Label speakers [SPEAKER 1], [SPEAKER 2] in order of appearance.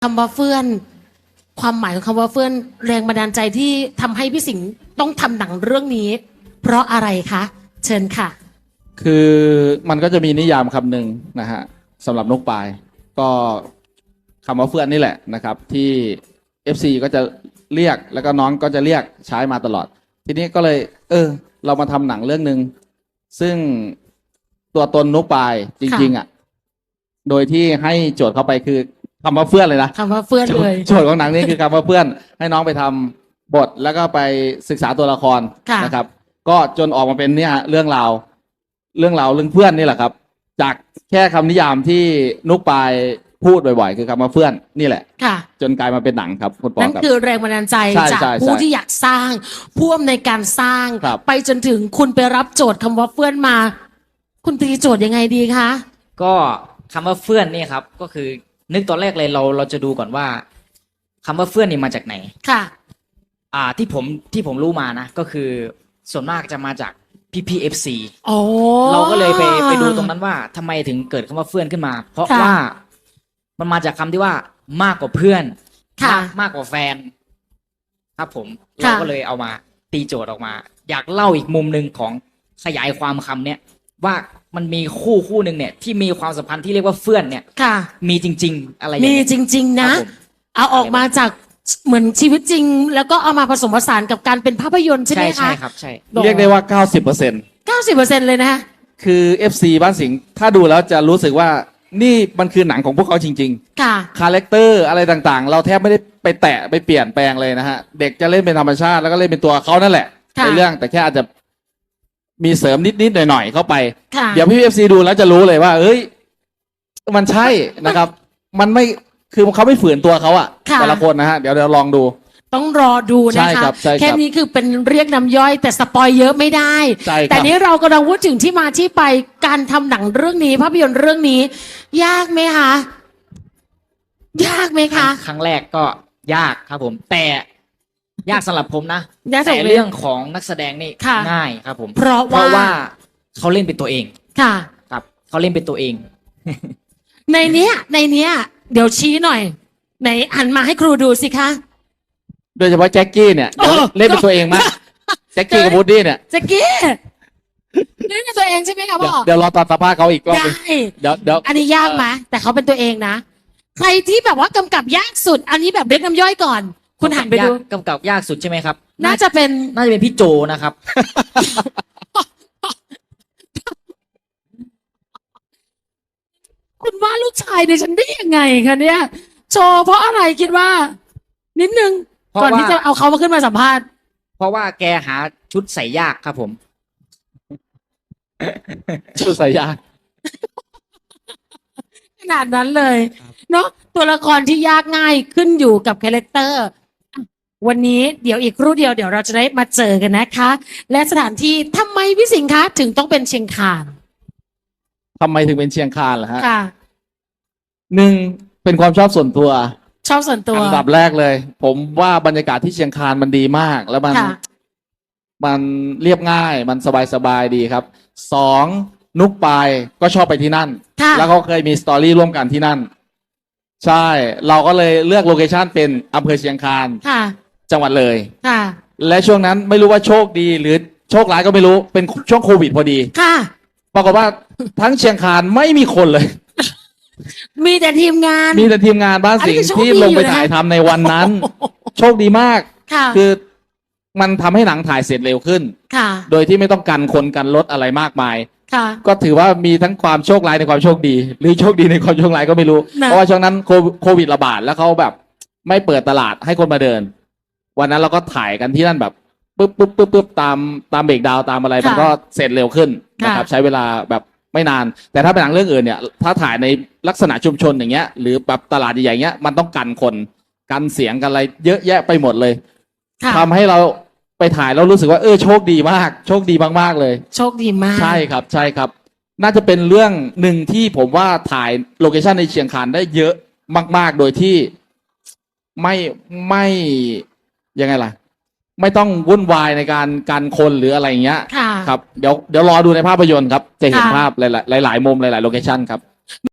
[SPEAKER 1] คำว่าเฟื่อนความหมายของคำว่าเฟื่อนแรงบันดาลใจที่ทำให้พี่สิงห์ต้องทำหนังเรื่องนี้ เพราะอะไรคะเชิญค่ะ
[SPEAKER 2] คือมันก็จะมีนิยามคำหนึ่งนะฮะสำหรับนกปลายก็คำว่าเฟื่อนนี่แหละนะครับที่ FC ก็จะเรียกแล้วก็น้องก็จะเรียกใช้มาตลอดทีนี้ก็เลยเรามาทำหนังเรื่องหนึ่งซึ่งตัวตนนกปลายจริงๆอ่ะโดยที่ให้โจทย์เข้าไปคือคำว่าเฟื่อนเลยนะ
[SPEAKER 1] คำว่าเฟื่อนเลย
[SPEAKER 2] โจทย์ของหนังนี่คือคำว่าเฟื่อนให้น้องไปทำบทแล้วก็ไปศึกษาตัวละครนะครับก็จนออกมาเป็นเนี่ยเรื่องราวเรื่องเพื่อนนี่แหละครับ จากแค่คำนิยามที่นุกปายพูดบ่อยๆคือคำว่าเพื่อนนี่แหละ
[SPEAKER 1] ค่ะ
[SPEAKER 2] จนกลายมาเป็นหนังครับคุณปอ
[SPEAKER 1] นั่นคือแรงบันดาลใจจากผู้ที่อยากสร้างผู้อำนวยการสร้างไปจนถึงคุณไปรับโจทย์คำว่าเฟื่อนมา คุณตีโจทย์ยังไงดีคะ
[SPEAKER 3] ก็คำว่าเฟื่อนนี่ครับก็คือนึกตอนแรกเลยเราจะดูก่อนว่าคำว่าเฟื่อนนี่มาจากไหน
[SPEAKER 1] ค่ะ
[SPEAKER 3] ที่ผมรู้มานะก็คือส่วนมากจะมาจากPPFC
[SPEAKER 1] เรา
[SPEAKER 3] ก็เลยไปดูตรงนั้นว่าทำไมถึงเกิดคำว่าเฟื่อนขึ้นมาเพราะว่ามันมาจากคำที่ว่ามากกว่าเพื่อนมากกว่าแฟนครับผมเราก็เลยเอามาตีโจทย์ออกมาอยากเล่าอีกมุมหนึ่งของขยายความคำเนี้ยว่ามันมีคู่หนึ่งเนี่ยที่มีความสัมพันธ์ที่เรียกว่าเฟื่อนเนี่ยมีจริงๆอะไร
[SPEAKER 1] มีจริงๆนะเอาออกมาจากเหมือนชีวิตจริงแล้วก็เอามาผสมผสานกับการเป็นภาพยนตร์ใช่ไหมคะ
[SPEAKER 3] ใช่ครับใช่
[SPEAKER 2] เรียกได้ว่า 90%
[SPEAKER 1] เลยนะ
[SPEAKER 2] คือ FC บ้านสิงห์ถ้าดูแล้วจะรู้สึกว่านี่มันคือหนังของพวกเขาจริง
[SPEAKER 1] ๆค่ะ
[SPEAKER 2] คาแรคเตอร์อะไรต่างๆเราแทบไม่ได้ไปแตะไปเปลี่ยนแปลงเลยนะฮะเด็กจะเล่นเป็นธรรมชาติแล้วก็เล่นเป็นตัวเขานั่นแหละในเรื่องแต่แค่อาจจะมีเสริมนิดๆหน่อยๆเข้าไปเดี๋ยวพี่ FC ดูแล้วจะรู้เลยว่าเอ้ยมันใช่นะครับมันไม่คือเขาไม่ฝืนตัวเขาอะแต่ละคนนะฮะเดี๋ยวลองดู
[SPEAKER 1] ต้องรอดูนะคะแค่นี้คือเป็นเรียกน้ำย่อยแต่สปอยเยอะไม่ได้แต่นี้เรากำลังพูดถึงที่มาที่ไปการทำหนังเรื่องนี้ภาพยนตร์เรื่องนี้ยากไหมคะยากไหมคะ
[SPEAKER 3] ครั้งแรกก็ยากครับผมแต่ยากสำหรับผมนะแต่เรื่องของนักแสดงนี่ง่ายครับผม
[SPEAKER 1] เพราะว่า
[SPEAKER 3] เขาเล่นเป็นตัวเอง
[SPEAKER 1] ค่ะ
[SPEAKER 3] ครับเขาเล่นเป็นตัวเอง
[SPEAKER 1] ในเนี้ยเดี๋ยวชี้หน่อยไหนหันมาให้ครูดูสิคะ
[SPEAKER 2] โดยเฉพาะแจ็คกี้เนี่ยเล่นเป็นตัวเองมากแจ็คกี้กับวูดดี้เนี่ย
[SPEAKER 1] แจ็คกี้เล่นเป็นตัวเองใช่ไหมคะพ่อ
[SPEAKER 2] เดี๋ยวรอตอนสัมภาษณ์เขาอีกรอบเดี๋ยว
[SPEAKER 1] อันนี้ยากไหมแต่เขาเป็นตัวเองนะใครที่แบบว่ากำกับยากสุดอันนี้แบบเรียกน้ำย่อยก่อนคุณหันไปดู
[SPEAKER 3] กำกับยากสุดใช่ไหมครับ
[SPEAKER 1] น่าจะเป็น
[SPEAKER 3] พี่โจนะครับ
[SPEAKER 1] คุณว่าลูกชายในฉันได้ยังไงคะเนี่ยโชว์เพราะอะไรคิดว่านิดนึงก่อนที่จะเอาเขามาขึ้นมาสัมภาษณ์
[SPEAKER 3] เพราะว่าแกหาชุดใส่ยากครับผม
[SPEAKER 2] ชุดใส่ยาก
[SPEAKER 1] ขนาดนั้นเลยเนาะตัวละครที่ยากง่ายขึ้นอยู่กับคาแรคเตอร์วันนี้เดี๋ยวอีกครู่เดียวเราจะได้มาเจอกันนะคะและสถานที่ทำไมพี่สิงห์คะถึงต้องเป็นเชียงคาน
[SPEAKER 2] ทำไมถึงเป็นเชียงคานล่ะฮะ
[SPEAKER 1] ค่ะ
[SPEAKER 2] หนึ่งเป็นความชอบส่วนตัว
[SPEAKER 1] ชอบส่วนตัว
[SPEAKER 2] อันดับแรกเลยผมว่าบรรยากาศที่เชียงคานมันดีมากแล้วมันเรียบง่ายมันสบายดีครับสองนุกปายก็ชอบไปที่นั่นแล้วเขาเคยมีสตอรี่ร่วมกันที่นั่นใช่เราก็เลยเลือกโลเคชั่นเป็นอำเภอเชียงคานจังหวัดเลยและช่วงนั้นไม่รู้ว่าโชคดีหรือโชคร้ายก็ไม่รู้เป็นช่วงโควิดพอดีปรากฏว่าทั้งเชียงคานไม่มีคนเลย
[SPEAKER 1] มีแต่ทีมงาน
[SPEAKER 2] บ้านสิงห์ที่ลงไปถ่ายทำในวันนั้นโชคดีมากคือมันทำให้หนังถ่ายเสร็จเร็วขึ้นโดยที่ไม่ต้องกันคนกันรถอะไรมากมายก็ถือว่ามีทั้งความโชคร้ายในความโชคดีหรือโชคดีในความโชคร้ายก็ไม่รู้เพราะว่าช่วงนั้นโควิดระบาดแล้วเขาแบบไม่เปิดตลาดให้คนมาเดินวันนั้นเราก็ถ่ายกันที่นั่นแบบปึ๊บตามเบรกดาวตามอะไรมันก็เสร็จเร็วขึ้นนะครับใช้เวลาแบบไม่นานแต่ถ้าเป็นหนังเรื่องอื่นเนี่ยถ้าถ่ายในลักษณะชุมชนอย่างเงี้ยหรือแบบตลาดใหญ่ๆเงี้ยมันต้องกันคนกันเสียงกันอะไรเยอะแยะไปหมดเลยทำให้เราไปถ่ายแล้วรู้สึกว่าโชคดีมากโชคดีมากๆเลย
[SPEAKER 1] โชคดีมาก
[SPEAKER 2] ใช่ครับน่าจะเป็นเรื่องหนึ่งที่ผมว่าถ่ายโลเคชั่นในเชียงคานได้เยอะมากๆโดยที่ไม่ยังไงล่ะไม่ต้องวุ่นวายในการคนหรืออะไรอย่างเงี้ยครับเดี๋ยวรอดูในภาพยนตร์ครับจะเห็นภาพหลายมุมหลายโลเคชั่นครับ